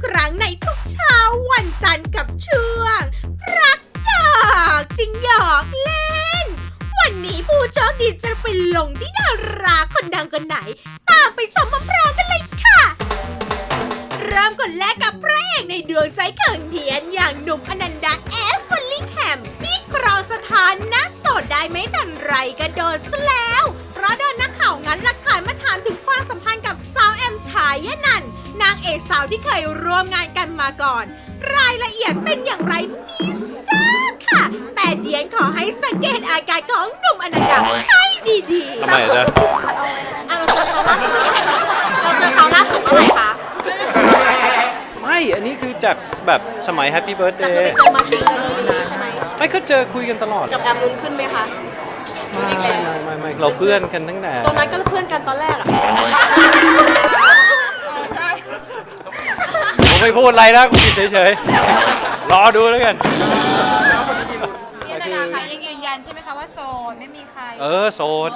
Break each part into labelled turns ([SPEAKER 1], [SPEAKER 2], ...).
[SPEAKER 1] ครั้งในทุกเช้าวันจันทร์กับช่วงรักดอกจริงหยอกเล่นวันนี้ผู้โชคดีจะไปลงที่ดาราคนดังคนไหนตามไปชมพร้อมๆกันเลยค่ะเริ่มคนแรกกับพระเอกในดวงใจเขินเทียนอย่างหนุ่มอนันดาแอฟฟอลลิงแฮมที่ครองสถานะโสดได้ไม่ทันไรก็โดนซะแล้วเพราะโดนนักข่าวงั้นหลักฐานมาถามถึงความสัมพันธ์กับสาวแอมชายนันท์นางเอกสาวที่เคยร่วมงานกันมาก่อนรายละเอียดเป็นอย่างไรมีทราบค่ะแต่เดียนขอให้สังเกตอาการของหนุ่มอนันดาให้ดีๆ
[SPEAKER 2] ทำไมจ๊ะ
[SPEAKER 1] เราเจอเขาล่าสุดเมื่อไหร่คะ
[SPEAKER 2] ไม่ อันนี้คือจากแบบสมัย Happy
[SPEAKER 1] แต่
[SPEAKER 2] Birthday
[SPEAKER 1] คือไปเจอมาจริงเลยใช่ไหม
[SPEAKER 2] ไม่ก็เจอคุยกันตลอด
[SPEAKER 1] กับแอมลุ้นขึ้นไหมคะ
[SPEAKER 2] ไม่เราเพื่อนกันตั้งแต่
[SPEAKER 1] ตอนนั้นก็เพื่อนกันตอนแรกอะ
[SPEAKER 2] ผมไม่พูดอะไรนะกูเฉยๆรอดูแล้วกัน
[SPEAKER 3] พี่นานาคะยังยืนยันใช่ไหมคะว่าโสดไม่มีใคร
[SPEAKER 2] โสด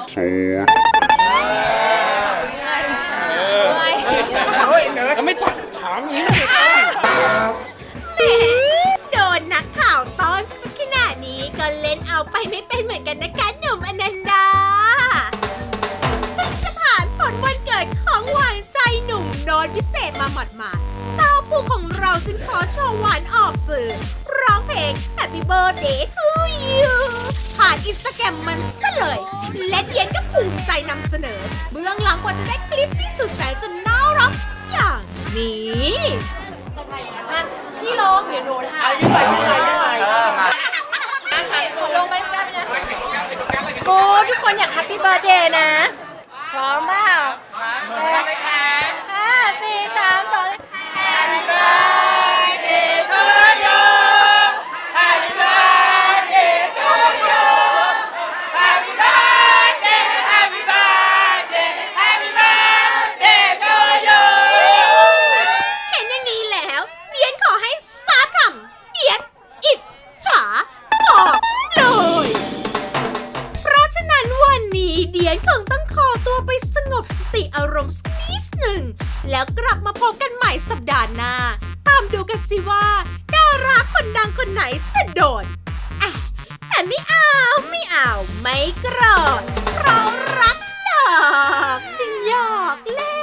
[SPEAKER 2] ก็ไม่ถามอย่างนี้
[SPEAKER 1] แหมโดนนักข่าวต้อนสักขนาดนี้ก็เล่นเอาไปไม่เป็นเหมือนกันนะคะหนุ่มอนันดาเพิ่งจะผ่านผลวันเกิดของหวานใจหนุ่มโนนพิเศษมาหมาดๆสาวผู้ของเราจึงขอโชว์หวานออกสื่อร้องเพลง Happy Birthday to you ผ่านอินสตาแกรมมันซะเลย และเดียนก็ภูมิใจนำเสนอเบื้องหลังกว่าจะได้คลิปที่สุดแสนจะน่ารักอย่างนี้
[SPEAKER 3] พี่ร้องเดี๋ยวหนูถ่ายลงไปได้ไหมนะโอ้ทุกคนอยากแฮปปี้เบิร์ดเดย์นะ พร้อมเปล่า5 4 3 2 Happy birthday to you Happy birthday to you Happy birthday Happy birthday Happy birthday to you
[SPEAKER 1] เห็นอย่างนี้แล้วเดียนขอให้สามคำเดียนอิจฉาบอกเลย เพราะฉะนั้นวันนี้เดียนคงต้องขอตัวไปสงบสติอารมณ์สักนิดหนึ่งแล้วกลับมาพบกันใหม่สัปดาห์หน้า ตามดูกันสิว่าดาราคนดังคนไหนจะโดนแต่ไม่โกรธเพราะรักดอกจึงหยอกเล่น